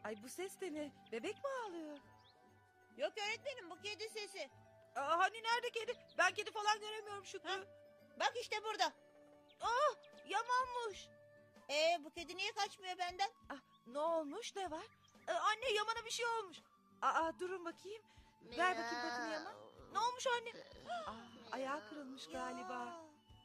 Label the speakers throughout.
Speaker 1: Ay bu ses de ne? Bebek mi ağlıyor?
Speaker 2: Yok öğretmenim, bu kedi sesi.
Speaker 1: Hani nerede kedi? Ben kedi falan göremiyorum Şükrü.
Speaker 2: Ha? Bak işte burada.
Speaker 1: Yamanmış.
Speaker 2: Bu kedi niye kaçmıyor benden?
Speaker 1: Ne olmuş, ne var? Anne Yaman'a bir şey olmuş. Durun bakayım. Ver bakayım patini Yaman. Ne olmuş anne? Ayağı kırılmış galiba.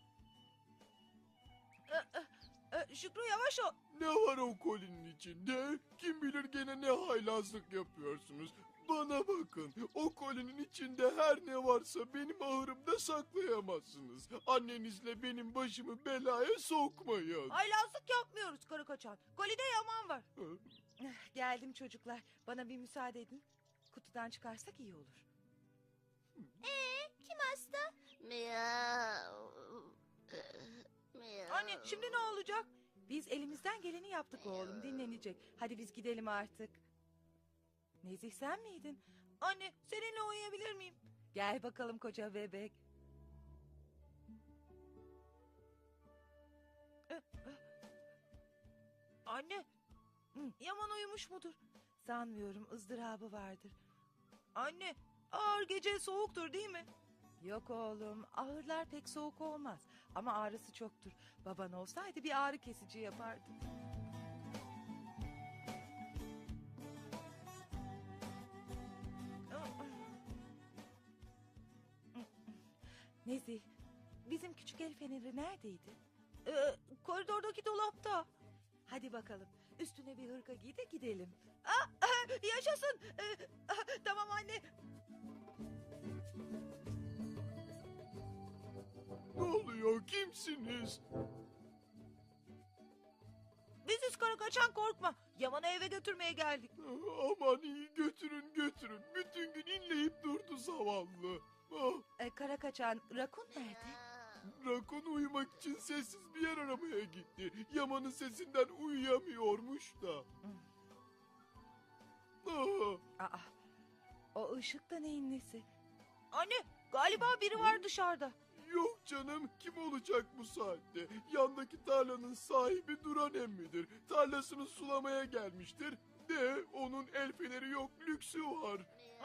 Speaker 1: Şükrü yavaş ol.
Speaker 3: Ne var o kolinin içinde? Kim bilir gene ne haylazlık yapıyorsunuz. Bana bakın, o kolinin içinde her ne varsa benim ahırımda saklayamazsınız. Annenizle benim başımı belaya sokmayın.
Speaker 1: Haylazlık yapmıyoruz karı kaçan. Kolide Yaman var.
Speaker 3: Hı?
Speaker 1: Geldim çocuklar. Bana bir müsaade edin. Kutudan çıkarsak iyi olur.
Speaker 2: Kim hasta?
Speaker 1: Anne şimdi ne olacak? Biz elimizden geleni yaptık oğlum, dinlenecek. Hadi biz gidelim artık. Nezih sen miydin? Anne seninle uyuyabilir miyim? Gel bakalım koca bebek. Anne Yaman uyumuş mudur? Sanmıyorum, ızdırabı vardır. Anne ağır gece soğuktur değil mi? Yok oğlum, ağırlar pek soğuk olmaz. Ama ağrısı çoktur. Baban olsaydı bir ağrı kesici yapardı. Nezih, bizim küçük el feneri neredeydi? Koridordaki dolapta. Hadi bakalım, üstüne bir hırka giy de gidelim. Yaşasın. Tamam anne.
Speaker 3: Ne oluyor, kimsiniz?
Speaker 1: Biziz kara kaçan, korkma. Yaman'ı eve götürmeye geldik.
Speaker 3: Aman iyi, götürün götürün. Bütün gün inleyip durdu zavallı.
Speaker 1: Kara kaçan, Rakun nerede?
Speaker 3: Rakun uyumak için sessiz bir yer aramaya gitti. Yaman'ın sesinden uyuyamıyormuş da.
Speaker 1: O ışık da neyin nesi? Anne galiba biri var dışarıda.
Speaker 3: Yok canım, kim olacak bu saatte? Yandaki tarlanın sahibi Duran emmidir. Tarlasını sulamaya gelmiştir. De onun el feneri yok, lüksü var.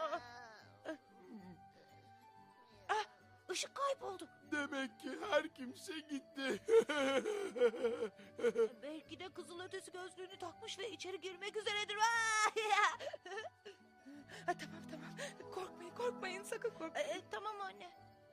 Speaker 1: Işık kayboldu.
Speaker 3: Demek ki her kimse gitti.
Speaker 1: Belki de kızılötesi gözlüğünü takmış ve içeri girmek üzeredir. Tamam. Korkmayın sakın korkmayın. Tamam anne.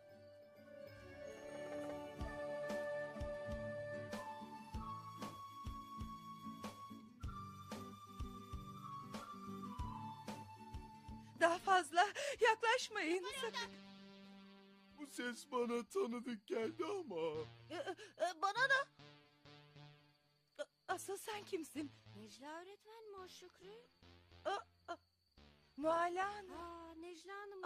Speaker 1: Daha fazla yaklaşmayın sakın.
Speaker 3: Bu ses bana tanıdık geldi ama.
Speaker 1: Bana da. Asıl sen kimsin?
Speaker 4: Necla öğretmen mi o Şükrü?
Speaker 1: Mualla Hanım.
Speaker 4: Necla Hanım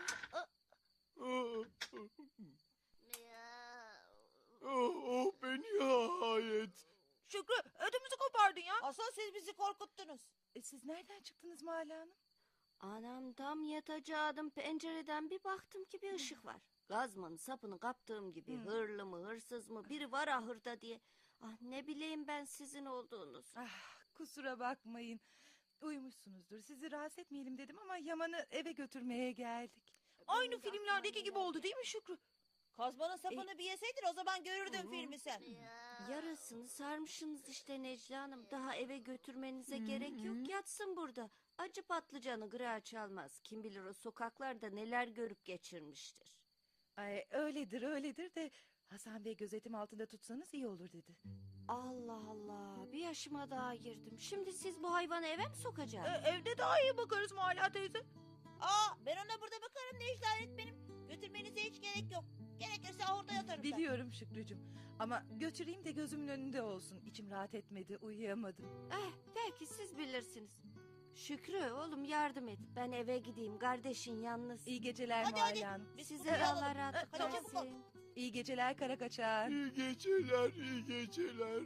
Speaker 3: Oh be, nihayet.
Speaker 1: Şükrü ödümüzü kopardın ya.
Speaker 2: Asıl siz bizi korkuttunuz.
Speaker 1: Siz nereden çıktınız Mualla Hanım?
Speaker 4: Anam tam yatacaktım, pencereden bir baktım ki bir ışık var. Gazmanın sapını kaptığım gibi hırlı mı hırsız mı biri var ahırda diye. Ne bileyim ben sizin olduğunuz.
Speaker 1: Kusura bakmayın. Uyumuşsunuzdur. Sizi rahatsız etmeyelim dedim ama Yaman'ı eve götürmeye geldik. Aynı filmlerdeki gibi oldu değil mi Şükrü?
Speaker 2: Kazmanın sapını bir yeseydin o zaman görürdün filmi sen.
Speaker 4: Yarasını sarmışsınız işte Necla Hanım. Daha eve götürmenize gerek yok, yatsın burada. Acı patlıcanı gırağı çalmaz. Kim bilir o sokaklarda neler görüp geçirmiştir.
Speaker 1: Öyledir de Hasan Bey gözetim altında tutsanız iyi olur dedi.
Speaker 4: Allah Allah, bir yaşıma daha girdim. Şimdi siz bu hayvanı eve mi sokacaksınız?
Speaker 1: Evde daha iyi bakarız Mualla teyze.
Speaker 2: Ben ona burada bakarım Necla öğretmenim. Götürmenize hiç gerek yok. Gerekirse orada yatarım ben.
Speaker 1: Biliyorum Şükrücüm ama götüreyim de gözümün önünde olsun. İçim rahat etmedi, uyuyamadım.
Speaker 4: Belki siz bilirsiniz. Şükrü oğlum yardım et. Ben eve gideyim, kardeşin yalnız.
Speaker 1: İyi geceler
Speaker 2: Hadi.
Speaker 1: Mualla Hanım.
Speaker 2: Biz
Speaker 4: Size
Speaker 2: uyuyalım.
Speaker 4: Allah rahatlık
Speaker 2: Hadi çabuk ol.
Speaker 4: versin.
Speaker 1: İyi geceler kara kaçar.
Speaker 3: İyi geceler, iyi geceler.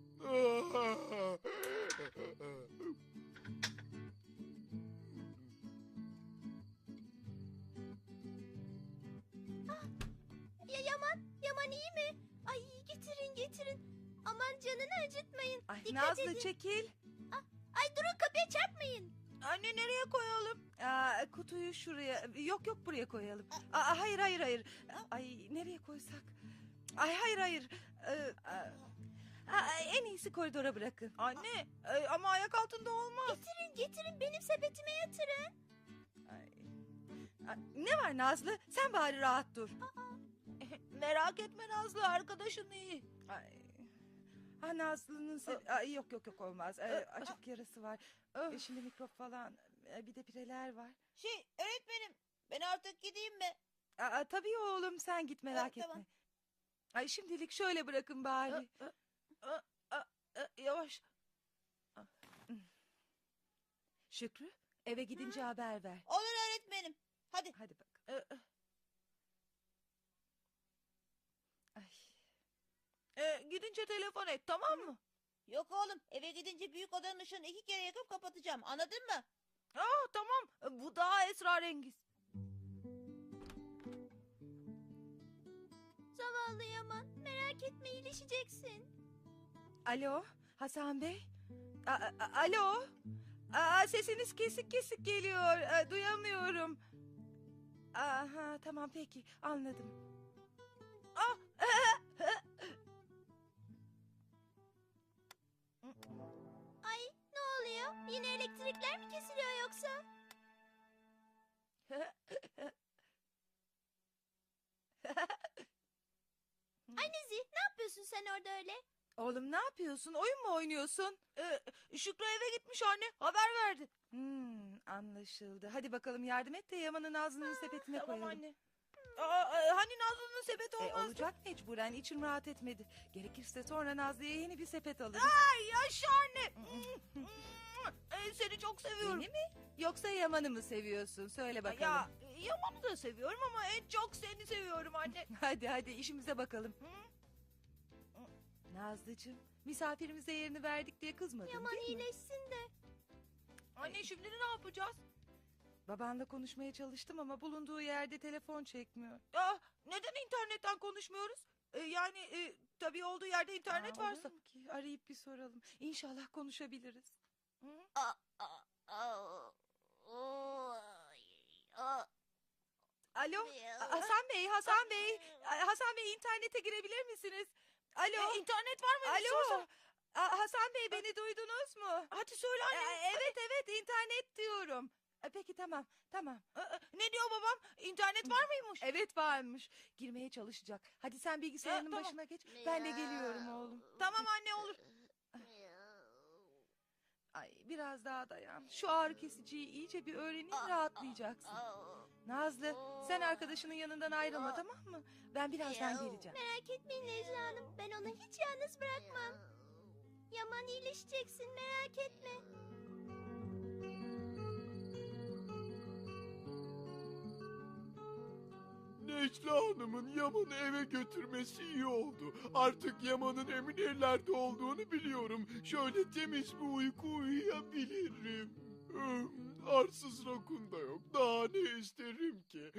Speaker 4: Yaman iyi mi? Ay getirin. Aman canını acıtmayın.
Speaker 1: Nazlı çekil.
Speaker 4: Ay
Speaker 2: Ay durun, kapıya çarpmayın.
Speaker 1: Anne nereye koyalım? Kutuyu şuraya. Yok buraya koyalım. Hayır. Ay nereye koysak? Ay hayır. En iyisi koridora bırakın. Anne ama ayak altında olmaz.
Speaker 2: Getirin, benim sepetime yatırın.
Speaker 1: Ne var Nazlı? Sen bari rahat dur. Merak etme Nazlı, arkadaşın iyi. Nazlı'nın yok olmaz. Açık yarası var. Şimdi mikrop falan. Bir de pireler var.
Speaker 2: Öğretmenim, ben artık gideyim mi?
Speaker 1: Tabii oğlum, sen git, merak
Speaker 2: Tamam.
Speaker 1: etme. Ay şimdilik şöyle bırakın bari. Yavaş. Şükrü, eve gidince haber ver.
Speaker 2: Olur öğretmenim. Hadi.
Speaker 1: Hadi bak. Gidince telefon et, tamam mı?
Speaker 2: Yok oğlum, eve gidince büyük odanın ışığını 2 kere yakıp kapatacağım. Anladın mı?
Speaker 1: Tamam. Bu daha esrarengiz.
Speaker 2: Zavallı Yaman, merak etme, iyileşeceksin.
Speaker 1: Alo, Hasan Bey. Alo. Sesiniz kesik geliyor. Duyamıyorum. Tamam peki, anladım.
Speaker 2: Ay, ne oluyor? Yine elektrikler mi kesiliyor yoksa? Ay Nezih, ne yapıyorsun sen orada öyle?
Speaker 1: Oğlum ne yapıyorsun? Oyun mu oynuyorsun? Şükrü eve gitmiş anne. Haber verdi. Anlaşıldı. Hadi bakalım yardım et de Yaman'ı Nazlı'nın sepetine
Speaker 2: tamam
Speaker 1: koyalım.
Speaker 2: anne.
Speaker 1: Hani Nazlı'nın sepeti olmazdı? Olacak mecburen. İçim rahat etmedi. Gerekirse sonra Nazlı'ya yeni bir sepet alırız. Ay yaşa anne. Seni çok seviyorum. Beni mi? Yoksa Yaman'ı mı seviyorsun? Söyle bakalım. Yaman'ı da seviyorum ama en çok seni seviyorum anne. hadi işimize bakalım. Nazlıcığım, misafirimize yerini verdik diye kızmadın
Speaker 2: Yaman
Speaker 1: değil mi?
Speaker 2: iyileşsin de.
Speaker 1: Anne şimdi ne yapacağız? Babanla konuşmaya çalıştım ama bulunduğu yerde telefon çekmiyor. Neden internetten konuşmuyoruz? Tabii olduğu yerde internet varsa. Ki, arayıp bir soralım. İnşallah konuşabiliriz. Alo, Hasan Bey. Hasan Bey, internete girebilir misiniz? Alo. İnternet var mı? Alo. Hasan Bey, beni duydunuz mu? Hadi söyle anne. Evet, internet diyorum. Peki tamam. Ne diyor babam? İnternet var mıymış? Evet varmış. Girmeye çalışacak. Hadi sen bilgisayarının
Speaker 2: tamam.
Speaker 1: başına geç. Ben de geliyorum oğlum. Tamam anne, olur. Ay biraz daha dayan. Şu ağrı kesiciyi iyice bir öğrenin, rahatlayacaksın. Nazlı, sen arkadaşının yanından ayrılma, tamam mı? Ben birazdan geleceğim.
Speaker 2: Merak etmeyin Necla Hanım, ben onu hiç yalnız bırakmam. Yaman iyileşeceksin, merak etme.
Speaker 3: Necla Hanım'ın Yaman'ı eve götürmesi iyi oldu. Artık Yaman'ın emin ellerde olduğunu biliyorum. Şöyle temiz bir uyku uyuyabilirim. Arsız rakun da yok. Daha ne isterim ki?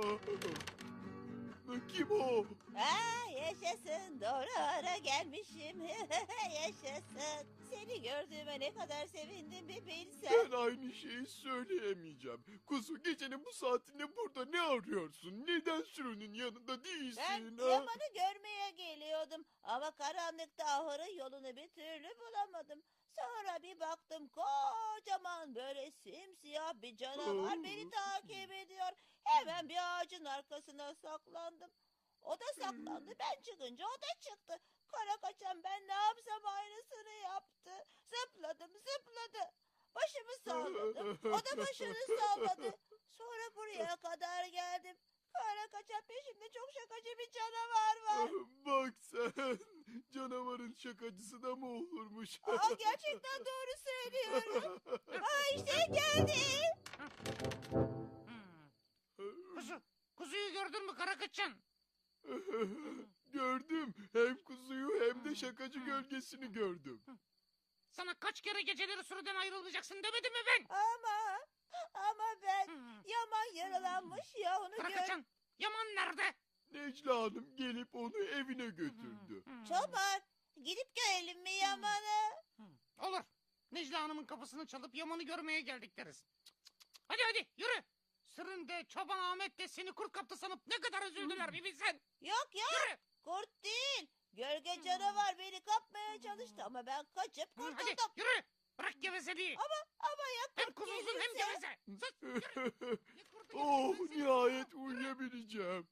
Speaker 3: Kim o?
Speaker 2: Yaşasın, doğru ara gelmişim. Yaşasın. Seni gördüğüme ne kadar sevindim bir bilsen.
Speaker 3: Ben aynı şeyi söyleyemeyeceğim. Kuzu, gecenin bu saatinde burada ne arıyorsun? Neden sürünün yanında değilsin?
Speaker 2: Ben
Speaker 3: ha?
Speaker 2: Yaman'ı görmeye geliyordum ama karanlıkta ahırın yolunu bir türlü bulamadım. Sonra bir baktım, kocaman böyle simsiyah bir canavar beni takip ediyor. Hemen bir ağacın arkasına saklandım. O da saklandı, ben çıkınca o da çıktı. Kara kaçan ben ne yapsam aynısını yaptı. Zıpladı. Başımı salladım. O da başını salladı. Sonra buraya kadar geldim. Kara kaçan peşimde çok şakacı bir canavar var.
Speaker 3: Bak sen, canavarın şakacısı da mı olurmuş?
Speaker 2: Gerçekten doğru söylüyorum. İşte geldi.
Speaker 5: Kuzuyu gördün mü Karakaçan?
Speaker 3: Gördüm. Hem kuzuyu hem de şakacı gölgesini gördüm.
Speaker 5: Sana kaç kere geceleri sürüden ayrılmayacaksın demedim mi ben?
Speaker 2: Ama ben Yaman yaralanmış ya, onu gör.
Speaker 5: Karakaçan, Yaman nerede?
Speaker 3: Necla Hanım gelip onu evine götürdü.
Speaker 2: Çoban, gidip görelim mi Yaman'ı?
Speaker 5: Olur. Necla Hanım'ın kapısını çalıp Yaman'ı görmeye geldik deriz. Hadi yürü. Sırrında Çoban Ahmet de seni kurt kaptı sanıp ne kadar üzüldüler bir bilsen.
Speaker 2: Yok ya,
Speaker 5: Yürü.
Speaker 2: kurt değil. Gölge canavar beni kapmaya çalıştı ama ben kaçıp
Speaker 5: Hadi
Speaker 2: kurtuldum.
Speaker 5: yürü. Bırak gevezeliği.
Speaker 2: Ama ya
Speaker 5: Hem
Speaker 2: kurt
Speaker 5: kuzulsun hem
Speaker 2: gelirse?
Speaker 5: geveze. Sus yürü. Ne kurdu
Speaker 3: Oh,
Speaker 5: gelirse?
Speaker 3: nihayet uyuyabileceğim.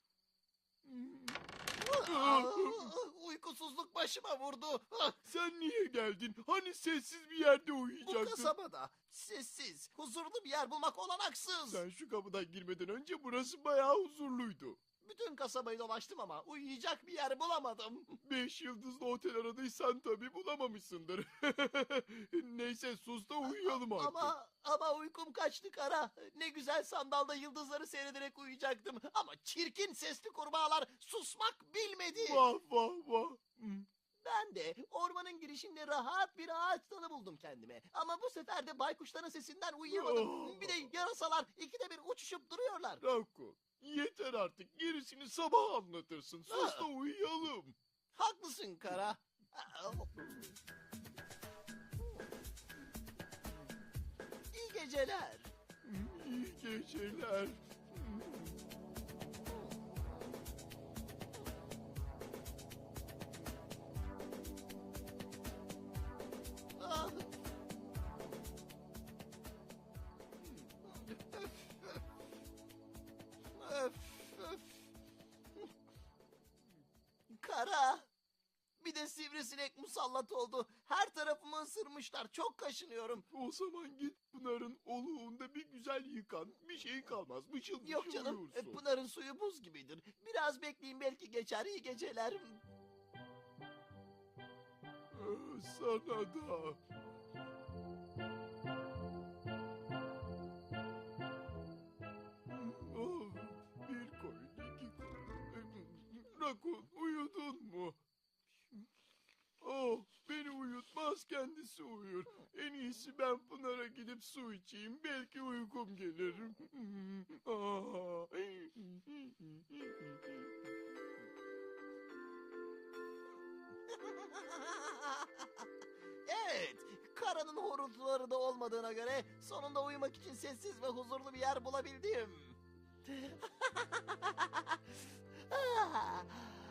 Speaker 6: Uykusuzluk başıma vurdu.
Speaker 3: Sen niye geldin? Hani sessiz bir yerde
Speaker 6: Bu
Speaker 3: uyuyacaktın?
Speaker 6: kasabada sessiz, huzurlu bir yer bulmak olanaksız.
Speaker 3: Sen şu kapıdan girmeden önce burası bayağı huzurluydu.
Speaker 6: Bütün kasabayı dolaştım ama uyuyacak bir yer bulamadım.
Speaker 3: 5 yıldızlı otel aradıysan tabii bulamamışsındır. Neyse sus da uyuyalım artık.
Speaker 6: Ama uykum kaçtı Kara. Ne güzel sandalda yıldızları seyrederek uyuyacaktım. Ama çirkin sesli kurbağalar susmak bilmedi.
Speaker 3: Vah vah vah. Hmm.
Speaker 6: Ben de ormanın girişinde rahat bir ağaç dalı buldum kendime. Ama bu sefer de baykuşların sesinden uyuyamadım. Bir de yarasalar ikide bir uçuşup duruyorlar.
Speaker 3: Rakun, yeter artık. Gerisini sabah anlatırsın. Sus da uyuyalım.
Speaker 6: Haklısın Kara. İyi geceler.
Speaker 3: İyi geceler.
Speaker 6: Ah. Öf, öf. Kara. Bir de sivrisinek musallat oldu. Her tarafımı ısırmışlar. Çok kaşınıyorum.
Speaker 3: O zaman git Pınar'ın oluğunda bir güzel yıkan. Bir şey kalmaz. Mışıl mışıl
Speaker 6: Yok canım.
Speaker 3: uyursun.
Speaker 6: Pınar'ın suyu buz gibidir. Biraz bekleyin belki geçer. İyi geceler.
Speaker 3: Sana da. Oh, bir koyun, iki koyun. Rakun, uyudun mu? Oh, beni uyutmaz, kendisi uyur. En iyisi ben Pınar'a gidip su içeyim. Belki uykum gelir. Ah.
Speaker 6: Evet. Kara'nın horultuları da olmadığına göre sonunda uyumak için sessiz ve huzurlu bir yer bulabildim. Ah.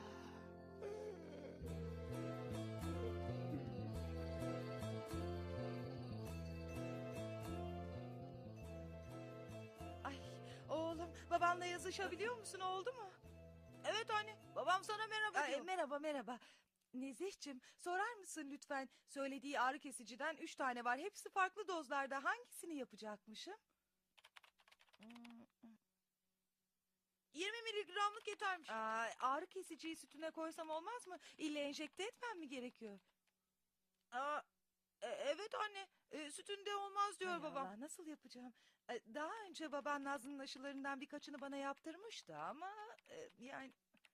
Speaker 1: Ay oğlum, babanla yazışabiliyor musun, oldu mu? Evet anne, babam sana merhaba diyor. Merhaba merhaba. Nezihciğim, sorar mısın lütfen, söylediği ağrı kesiciden 3 tane var. Hepsi farklı dozlarda, hangisini yapacakmışım? 20 miligramlık yetermiş. Ağrı kesiciyi sütüne koysam olmaz mı? İlle enjekte etmem mi gerekiyor? Evet anne, sütünde olmaz diyor babam. Allah, nasıl yapacağım? Daha önce baban Nazlı'nın aşılarından birkaçını bana yaptırmıştı ama yani...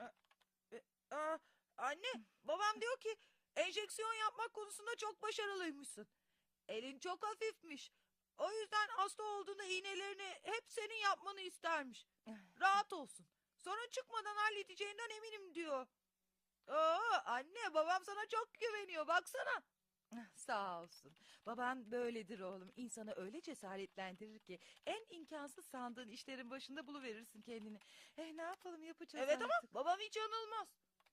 Speaker 1: Anne, babam diyor ki enjeksiyon yapmak konusunda çok başarılıymışsın. Elin çok hafifmiş. O yüzden hasta olduğunda iğnelerini hep senin yapmanı istermiş. Rahat olsun. Sorun çıkmadan halledeceğinden eminim diyor. Anne, babam sana çok güveniyor, baksana. Sağ olsun. Baban böyledir oğlum. İnsanı öyle cesaretlendirir ki en imkansız sandığın işlerin başında buluverirsin kendini. Ne yapalım, yapacağız
Speaker 2: Evet ama
Speaker 1: artık. Babam hiç yanılmaz.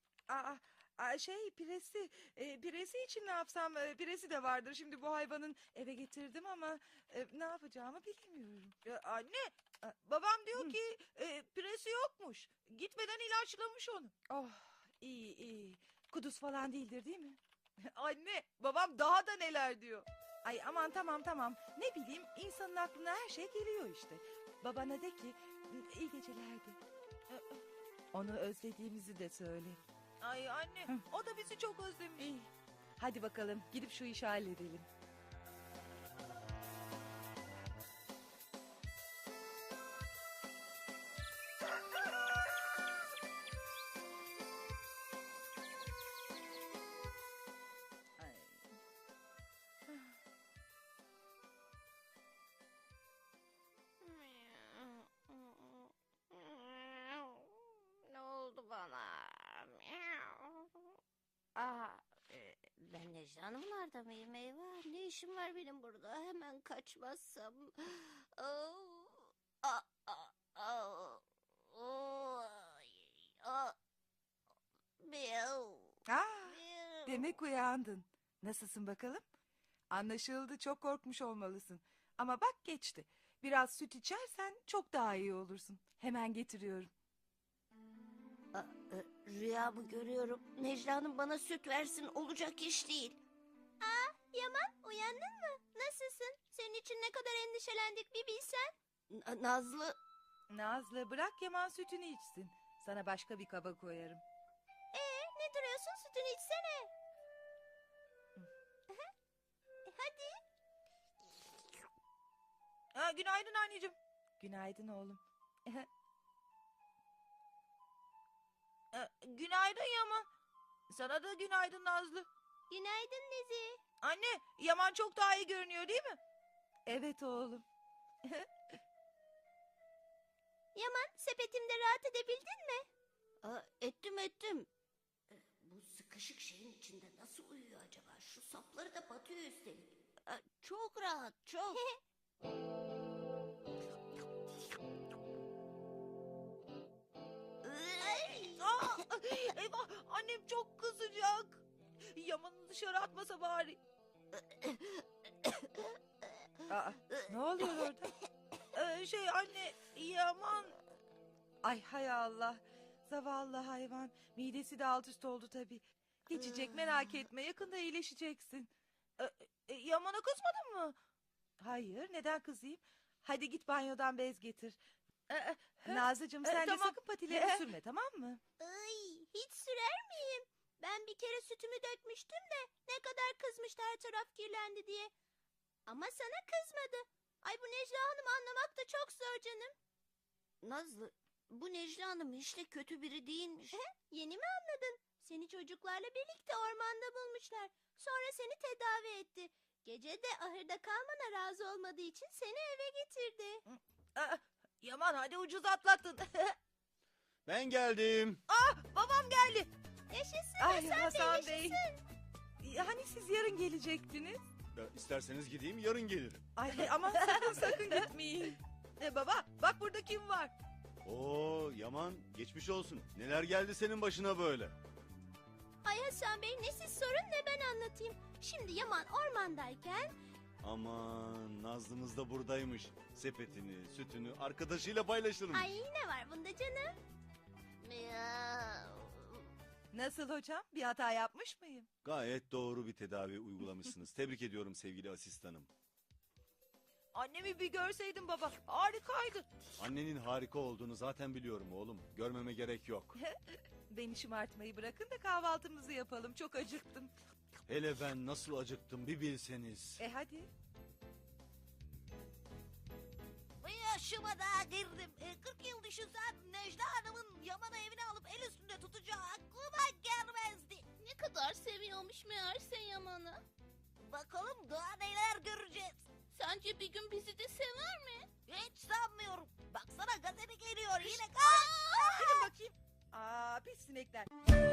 Speaker 1: Piresi. Piresi için ne yapsam? Piresi de vardır. Şimdi bu hayvanın eve getirdim ama ne yapacağımı bilmiyorum. Anne, babam diyor ki piresi yokmuş. Gitmeden ilaçlamış onu. Oh, iyi iyi. Kuduz falan değildir değil mi? Anne, babam daha da neler diyor. Ay aman, tamam. Ne bileyim, insanın aklına her şey geliyor işte. Babana de ki iyi geceler de. Onu özlediğimizi de söyle. Ay anne, o da bizi çok özlemiş. İyi. Hadi bakalım, gidip şu işi halledelim.
Speaker 4: Ne oldu bana? Ben Necla Hanımlarda mıyım? Eyvah, ne işim var benim burada? Hemen kaçmazsam. Oh, ah, ah, ah, oh, ah, miau, miau.
Speaker 1: Demek uyandın. Nasılsın bakalım? Anlaşıldı, çok korkmuş olmalısın. Ama bak geçti. Biraz süt içersen çok daha iyi olursun. Hemen getiriyorum.
Speaker 4: Rüyamı görüyorum. Necla Hanım bana süt versin, olacak iş değil.
Speaker 2: Yaman, uyandın mı? Nasılsın? Senin için ne kadar endişelendik bir bilsen.
Speaker 4: Nazlı,
Speaker 1: Nazlı, bırak Yaman sütünü içsin. Sana başka bir kaba koyarım.
Speaker 2: Ne duruyorsun? Sütünü içsene. Hadi.
Speaker 1: Günaydın anneciğim. Günaydın oğlum. Günaydın Yaman. Sana da günaydın Nazlı.
Speaker 2: Günaydın Nezi.
Speaker 1: Anne, Yaman çok daha iyi görünüyor değil mi? Evet oğlum.
Speaker 2: Yaman, sepetimde rahat edebildin mi?
Speaker 4: ettim. Bu sıkışık şeyin içinde nasıl uyuyor acaba? Şu sapları da batıyor üstelik. Çok rahat, çok.
Speaker 1: Eyvah, annem çok kızacak. Yaman'ı dışarı atmasa bari. Ne oluyor orada? Anne, Yaman. Ay hay Allah. Zavallı hayvan. Midesi de alt üst oldu tabii. Geçecek, merak etme, yakında iyileşeceksin. Yaman'a kızmadın mı? Hayır, neden kızayım? Hadi git banyodan bez getir. Nazlıcığım sen de
Speaker 2: tamam.
Speaker 1: sakın patilerini sürme, tamam mı?
Speaker 2: Ay, hiç sürer miyim? Ben bir kere sütümü dökmüştüm de ne kadar kızmıştı her taraf kirlendi diye. Ama sana kızmadı. Ay bu Necla Hanım anlamak da çok zor canım.
Speaker 4: Nazlı, bu Necla Hanım hiç de kötü biri değilmiş.
Speaker 2: Yeni mi anladın? Seni çocuklarla birlikte ormanda bulmuşlar. Sonra seni tedavi etti. Gece de ahırda kalmana razı olmadığı için seni eve getirdi.
Speaker 1: Yaman hadi ucuz atlattın.
Speaker 7: Ben geldim.
Speaker 1: Babam geldi.
Speaker 2: Yaşasın
Speaker 1: Ay
Speaker 2: Hasan
Speaker 1: Hasan
Speaker 2: Bey,
Speaker 1: Bey.
Speaker 2: yaşasın.
Speaker 1: Hani siz yarın gelecektiniz?
Speaker 7: Ya, isterseniz gideyim, yarın gelirim.
Speaker 1: Ay aman sakın gitmeyin. Baba bak burada kim var?
Speaker 7: Oo Yaman, geçmiş olsun. Neler geldi senin başına böyle?
Speaker 2: Ay Hasan Bey, ne siz sorun ne ben anlatayım. Şimdi Yaman ormandayken
Speaker 7: Aman, Nazlımız da buradaymış. Sepetini, sütünü arkadaşıyla paylaşırmış.
Speaker 2: ay ne var bunda canım?
Speaker 1: Nasıl hocam? Bir hata yapmış mıyım?
Speaker 7: Gayet doğru bir tedavi uygulamışsınız. Tebrik ediyorum sevgili asistanım.
Speaker 1: Annemi bir görseydin baba. Harikaydı.
Speaker 7: Annenin harika olduğunu zaten biliyorum oğlum. Görmeme gerek yok.
Speaker 1: Beni şımartmayı bırakın da kahvaltımızı yapalım. Çok acıktım.
Speaker 7: Hele ben nasıl acıktım bir bilseniz.
Speaker 1: Hadi.
Speaker 2: Yaşıma daha girdim. 40 yıl düşünsem Necla Hanım'ın Yaman'ı evine alıp el üstünde tutacağı aklıma gelmezdi. Ne kadar seviyormuş meğerse Yaman'ı. Bakalım daha neler göreceğiz. Sence bir gün bizi de sever mi? Hiç sanmıyorum. Baksana gazete geliyor yine.
Speaker 1: Gidin bakayım. Pis sinekler.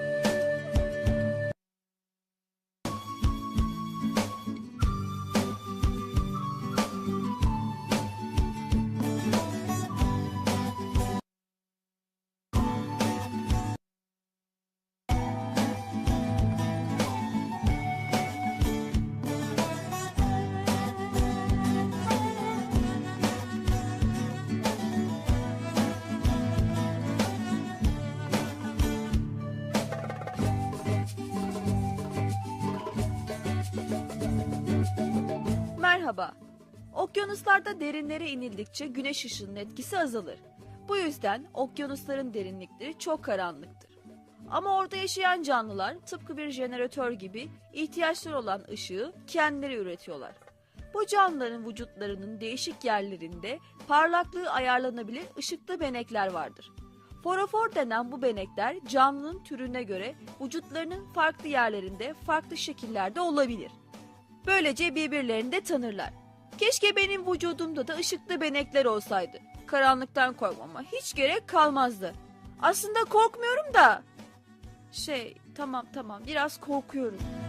Speaker 8: Merhaba. Okyanuslarda derinlere inildikçe güneş ışığının etkisi azalır. Bu yüzden okyanusların derinlikleri çok karanlıktır. Ama orada yaşayan canlılar tıpkı bir jeneratör gibi ihtiyaçları olan ışığı kendileri üretiyorlar. Bu canlıların vücutlarının değişik yerlerinde parlaklığı ayarlanabilir ışıklı benekler vardır. Forofor denen bu benekler canlının türüne göre vücutlarının farklı yerlerinde farklı şekillerde olabilir. Böylece birbirlerini de tanırlar. Keşke benim vücudumda da ışıklı benekler olsaydı. Karanlıktan korkmama hiç gerek kalmazdı. Aslında korkmuyorum da. Tamam biraz korkuyorum.